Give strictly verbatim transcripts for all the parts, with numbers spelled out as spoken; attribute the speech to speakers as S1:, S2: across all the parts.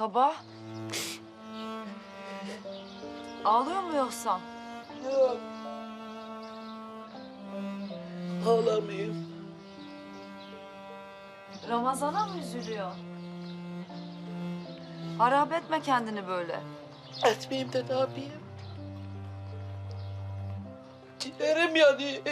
S1: Kaba. Ağlıyor mu yoksa?
S2: Yok. Ağlamayayım.
S1: Ramazan'a mı üzülüyor? Harap etme kendini böyle.
S2: Etmeyeyim de ne yapayım? Ciğerim yanıyor.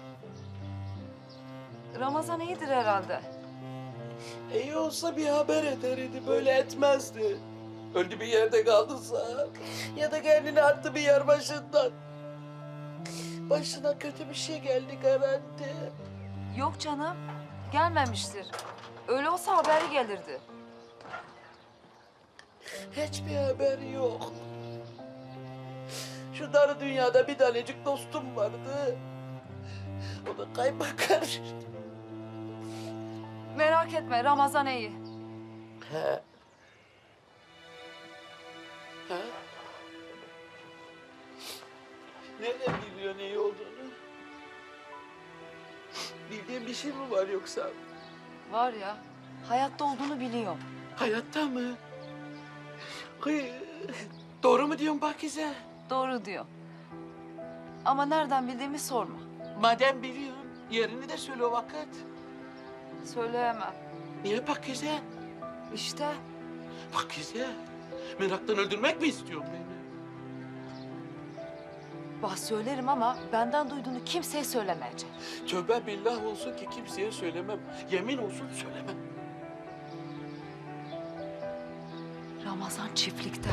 S1: Ramazan iyidir herhalde.
S2: İyi olsa bir haber ederdi, böyle etmezdi. Öldü bir yerde kaldıysa ya da kendini attı bir yer başından. Başına kötü bir şey geldi garanti.
S1: Yok canım, gelmemiştir. Öyle olsa haberi gelirdi.
S2: Hiçbir haber yok. Şu dar dünyada bir tanecik dostum vardı. O da kaymakar.
S1: Merak etme, Ramazan iyi.
S2: He. He? Nereden biliyorsun iyi olduğunu? Bildiğin bir şey mi var yoksa?
S1: Var ya, hayatta olduğunu biliyorum.
S2: Hayatta mı? Kıy, doğru mu diyorsun Pakize?
S1: Doğru diyor. Ama nereden bildiğimi sorma.
S2: Madem biliyorsun, yerini de söyle o vakit.
S1: Söyleyemem.
S2: Niye Pakize?
S1: İşte
S2: Pakize, meraktan öldürmek mi istiyorsun beni?
S1: bah söylerim ama benden duyduğunu kimseye söylemeyecek.
S2: Tövbe billah olsun ki kimseye söylemem. Yemin olsun söylemem.
S1: Ramazan çiftlikte.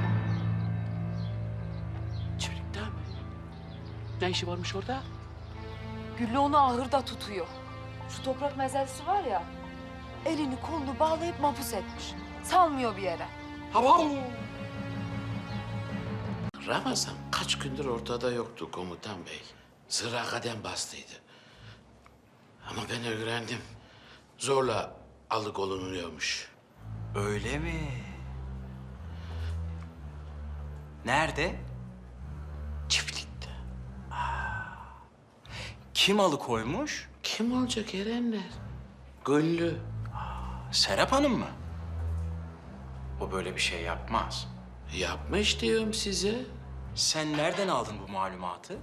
S2: Çiftlikte mi? Ne işi varmış orada?
S1: Güllü onu ahırda tutuyor. Şu toprak mezelsi var ya, elini kolunu bağlayıp mahpus etmiş. Salmıyor bir yere.
S2: Hava! Ramazan kaç gündür ortada yoktu komutan bey. Sıra kadem bastıydı. Ama ben öğrendim. Zorla alıkonuluyormuş.
S3: Öyle mi? Nerede?
S2: Çiftlikte.
S3: Kim alıkoymuş?
S2: Kim olacak Erenler? Güllü.
S3: Serap Hanım mı? O böyle bir şey yapmaz.
S2: Yapmış diyorum size.
S3: Sen nereden aldın bu malumatı?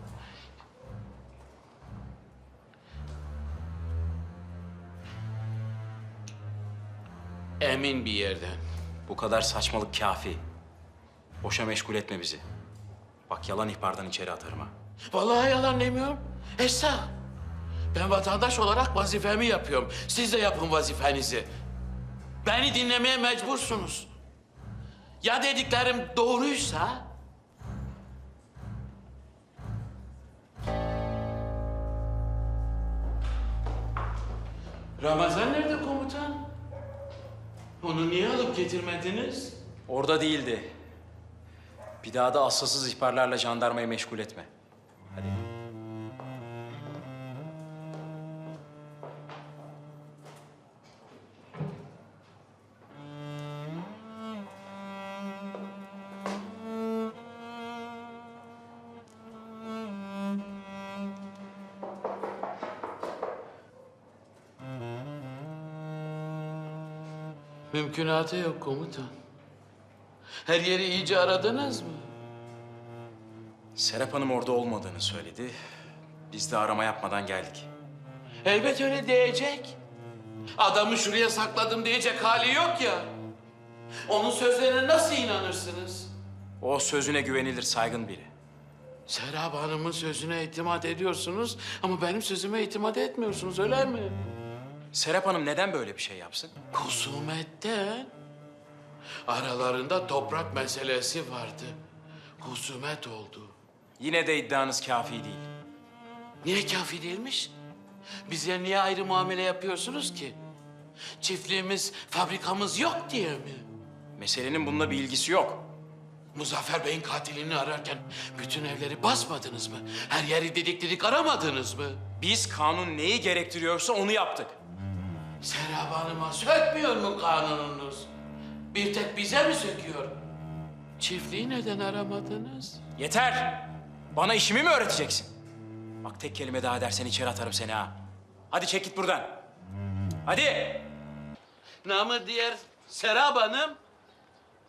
S2: Emin bir yerden.
S3: Bu kadar saçmalık kafi. Boşa meşgul etme bizi. Bak yalan ihbardan içeri atarım ha.
S2: Vallahi yalan demiyorum. Esra. Ben vatandaş olarak vazifemi yapıyorum. Siz de yapın vazifenizi. Beni dinlemeye mecbursunuz. Ya dediklerim doğruysa? Ramazan nerede komutan? Onu niye alıp getirmediniz?
S3: Orada değildi. Bir daha da asılsız ihbarlarla jandarmayı meşgul etme. Hadi.
S2: Mümkünatı yok komutan. Her yeri iyice aradınız mı?
S3: Serap Hanım orada olmadığını söyledi. Biz de arama yapmadan geldik.
S2: Elbet öyle diyecek. Adamı şuraya sakladım diyecek hali yok ya. Onun sözlerine nasıl inanırsınız?
S3: O sözüne güvenilir saygın biri.
S2: Serap Hanım'ın sözüne itimat ediyorsunuz ama benim sözüme itimat etmiyorsunuz öyle mi?
S3: Serap Hanım neden böyle bir şey yapsın?
S2: Husumetten. Aralarında toprak meselesi vardı. Husumet oldu.
S3: Yine de iddianız kafi değil.
S2: Niye kafi değilmiş? Bize niye ayrı muamele yapıyorsunuz ki? Çiftliğimiz, fabrikamız yok diye mi?
S3: Meselenin bununla bir ilgisi yok.
S2: Muzaffer Bey'in katilini ararken bütün evleri basmadınız mı? Her yeri didik didik aramadınız mı?
S3: Biz kanun neyi gerektiriyorsa onu yaptık.
S2: Serap Hanım'a sökmüyor mu kanununuz? Bir tek bize mi söküyor? Çiftliği neden aramadınız?
S3: Yeter! Bana işimi mi öğreteceksin? Bak tek kelime daha dersen içeri atarım seni ha. Hadi çek git buradan. Hadi!
S2: Namı diğer Serap Hanım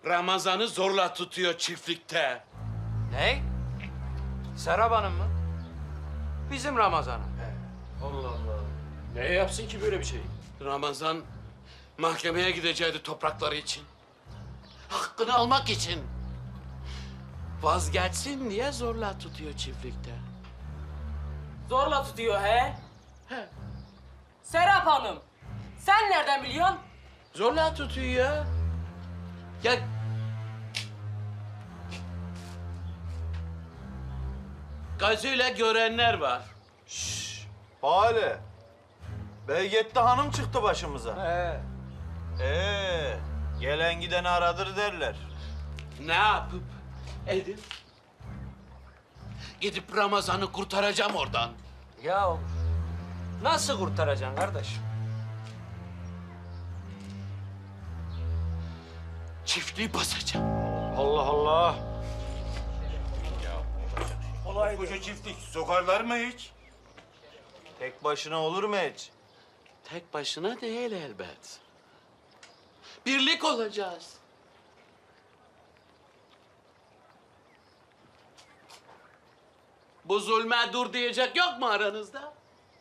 S2: Ramazan'ı zorla tutuyor çiftlikte.
S4: Ne? Serap Hanım mı? Bizim Ramazan'ı.
S3: Allah Allah. Neye yapsın ki böyle bir şey?
S2: Ramazan mahkemeye gidecekti toprakları için. Hakkını almak için. Vazgeçsin diye zorla tutuyor çiftlikte.
S5: Zorla tutuyor he?
S2: He.
S5: Serap Hanım, sen nereden biliyorsun?
S2: Zorla tutuyor ya. Ya gözüyle görenler var.
S6: Hale. Beygette hanım çıktı başımıza.
S4: He.
S6: Ee, gelen gideni aradır derler.
S2: Ne yapıp edip gidip Ramazan'ı kurtaracağım oradan.
S4: Ya nasıl kurtaracaksın kardeş?
S2: Çiftliği basacağım.
S6: Allah Allah.
S7: Koca çiftlik sokarlar mı hiç?
S6: Tek başına olur mu hiç?
S2: Tek başına değil elbet. Birlik olacağız. Bu zulme dur diyecek yok mu aranızda?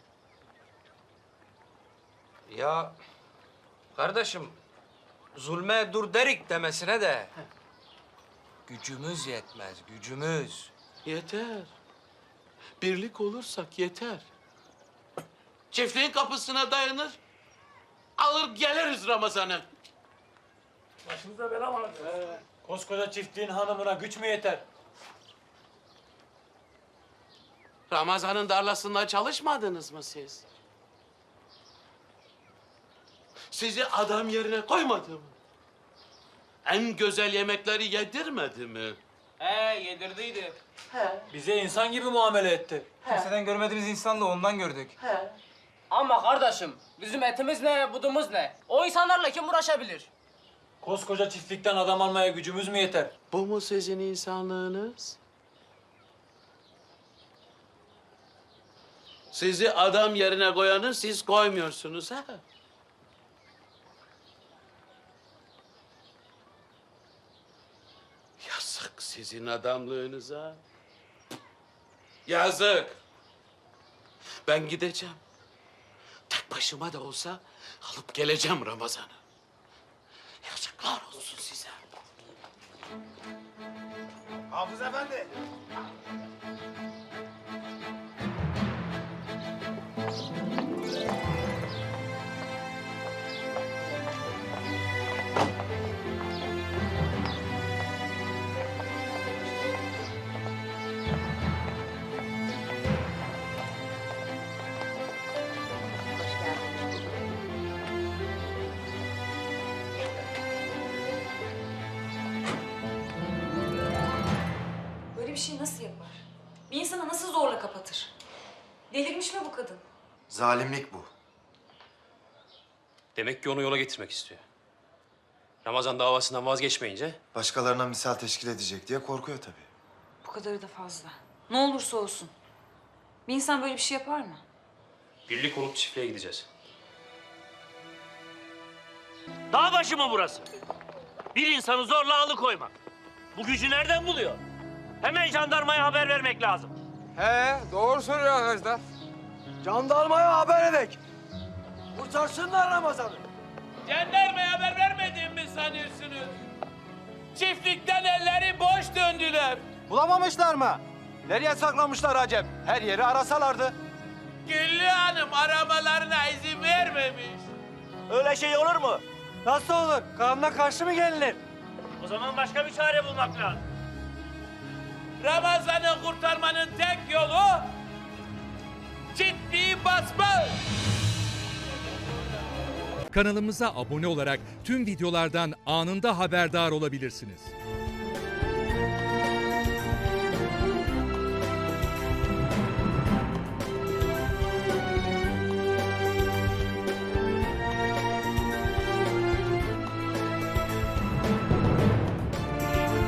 S4: Ya kardeşim zulme dur derik demesine de gücümüz yetmez, gücümüz.
S2: Yeter. Birlik olursak yeter. Çiftliğin kapısına dayanır, alır geliriz Ramazan'ı.
S3: Başımıza bela var. Koskoca çiftliğin hanımına güç mü yeter?
S2: Ramazan'ın darlasında çalışmadınız mı siz? Sizi adam yerine koymadı mı? En güzel yemekleri yedirmedi mi?
S5: He, yedirdiydi.
S3: Bize insan gibi muamele etti.
S8: Kimseden görmediğimiz insanla ondan gördük.
S5: Ama kardeşim, bizim etimiz ne, budumuz ne? O insanlarla kim uğraşabilir?
S3: Koskoca çiftlikten adam almaya gücümüz mü yeter?
S2: Bu mu sizin insanlığınız? Sizi adam yerine koyanı siz koymuyorsunuz ha? Yazık sizin adamlığınıza. Yazık. Ben gideceğim. Tek başıma da olsa alıp geleceğim Ramazan'ı. Yazıklar olsun size.
S7: Hafız Efendi.
S9: Böyle bir şey nasıl yapar? Bir insana nasıl zorla kapatır? Delirmiş mi bu kadın?
S10: Zalimlik bu.
S11: Demek ki onu yola getirmek istiyor. Ramazan davasından vazgeçmeyince
S10: Başkalarına misal teşkil edecek diye korkuyor tabii.
S9: Bu kadarı da fazla. Ne olursa olsun. Bir insan böyle bir şey yapar mı?
S11: birlik olup çiftliğe gideceğiz.
S12: Dağ başı mı burası? Bir insanı zorla alıkoymak. Bu gücü nereden buluyor? Hemen jandarmaya haber vermek lazım.
S8: He, doğru söylüyor arkadaşlar.
S4: Jandarmaya haber edek. Kurtarsınlar Ramazan'ı.
S2: Jandarmaya haber vermediğimi mi sanıyorsunuz? Çiftlikten elleri boş döndüler.
S6: Bulamamışlar mı? Nereye saklamışlar acep? Her yeri arasalardı.
S2: Güllü Hanım aramalarına izin vermemiş.
S4: Öyle şey olur mu? Nasıl olur? Kanuna karşı mı gelinir?
S12: O zaman başka bir çare bulmak lazım.
S2: Ramazan'ı kurtarmanın tek yolu çiftliği basmak.
S13: Kanalımıza abone olarak tüm videolardan anında haberdar olabilirsiniz.